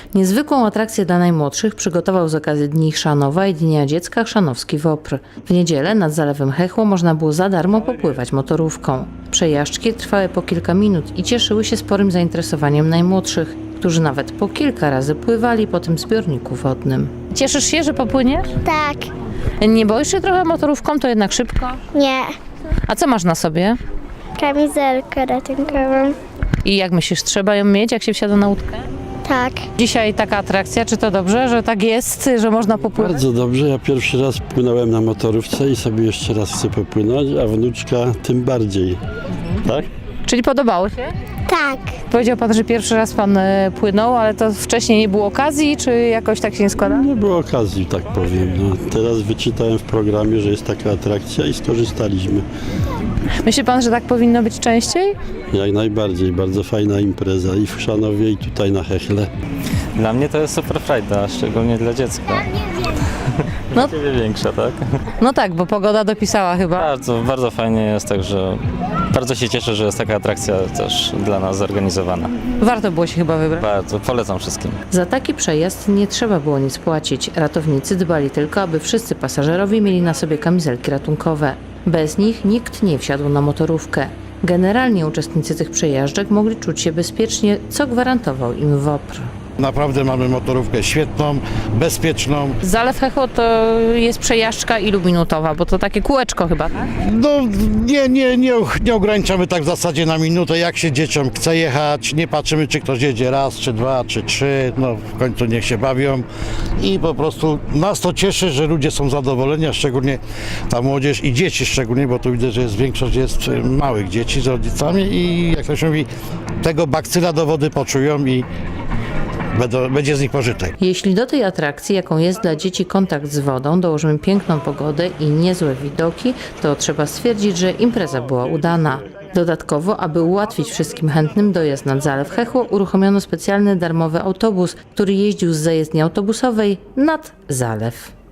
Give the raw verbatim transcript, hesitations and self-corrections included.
Niezwykłą atrakcję dla najmłodszych przygotował z okazji Dni Chrzanowa i Dnia Dziecka Chrzanowski Wopr. W niedzielę nad Zalewem Hechło można było za darmo popływać motorówką. Przejażdżki trwały po kilka minut i cieszyły się sporym zainteresowaniem najmłodszych, którzy nawet po kilka razy pływali po tym zbiorniku wodnym. Cieszysz się, że popłyniesz? Tak. Nie boisz się trochę motorówką, to jednak szybko? Nie. A co masz na sobie? Kamizelkę ratunkową. I jak myślisz, trzeba ją mieć, jak się wsiada na łódkę? Tak. Dzisiaj taka atrakcja, czy to dobrze, że tak jest, że można popływać? Bardzo dobrze. Ja pierwszy raz płynąłem na motorówce i sobie jeszcze raz chcę popłynąć, a wnuczka tym bardziej. Tak? Czyli podobało się? Tak. Powiedział pan, że pierwszy raz pan e, płynął, ale to wcześniej nie było okazji, czy jakoś tak się nie składa? Nie było okazji, tak powiem. No, teraz wyczytałem w programie, że jest taka atrakcja i skorzystaliśmy. Myśli pan, że tak powinno być częściej? Jak najbardziej. Bardzo fajna impreza i w Chrzanowie, i tutaj na Hechle. Dla mnie to jest super frajda, szczególnie dla dziecka. No. No. Ciebie większa, tak? No tak, bo pogoda dopisała chyba. Bardzo, bardzo fajnie jest, także bardzo się cieszę, że jest taka atrakcja też dla nas zorganizowana. Warto było się chyba wybrać. Bardzo, polecam wszystkim. Za taki przejazd nie trzeba było nic płacić. Ratownicy dbali tylko, aby wszyscy pasażerowie mieli na sobie kamizelki ratunkowe. Bez nich nikt nie wsiadł na motorówkę. Generalnie uczestnicy tych przejażdżek mogli czuć się bezpiecznie, co gwarantował im Wopr. Naprawdę mamy motorówkę świetną, bezpieczną. Zalew Hechło to jest przejażdżka ilu minutowa, bo to takie kółeczko chyba, tak? No nie, nie, nie, nie ograniczamy tak w zasadzie na minutę, jak się dzieciom chce jechać, nie patrzymy, czy ktoś jedzie raz, czy dwa, czy trzy, no w końcu niech się bawią i po prostu nas to cieszy, że ludzie są zadowoleni, a szczególnie ta młodzież i dzieci szczególnie, bo tu widzę, że jest większość jest małych dzieci z rodzicami i jak to się mówi, tego bakcyla do wody poczują i będą, będzie z nich pożytek. Jeśli do tej atrakcji, jaką jest dla dzieci kontakt z wodą, dołożymy piękną pogodę i niezłe widoki, to trzeba stwierdzić, że impreza była udana. Dodatkowo, aby ułatwić wszystkim chętnym dojazd nad Zalew Hechło, uruchomiono specjalny darmowy autobus, który jeździł z zajezdni autobusowej nad zalew.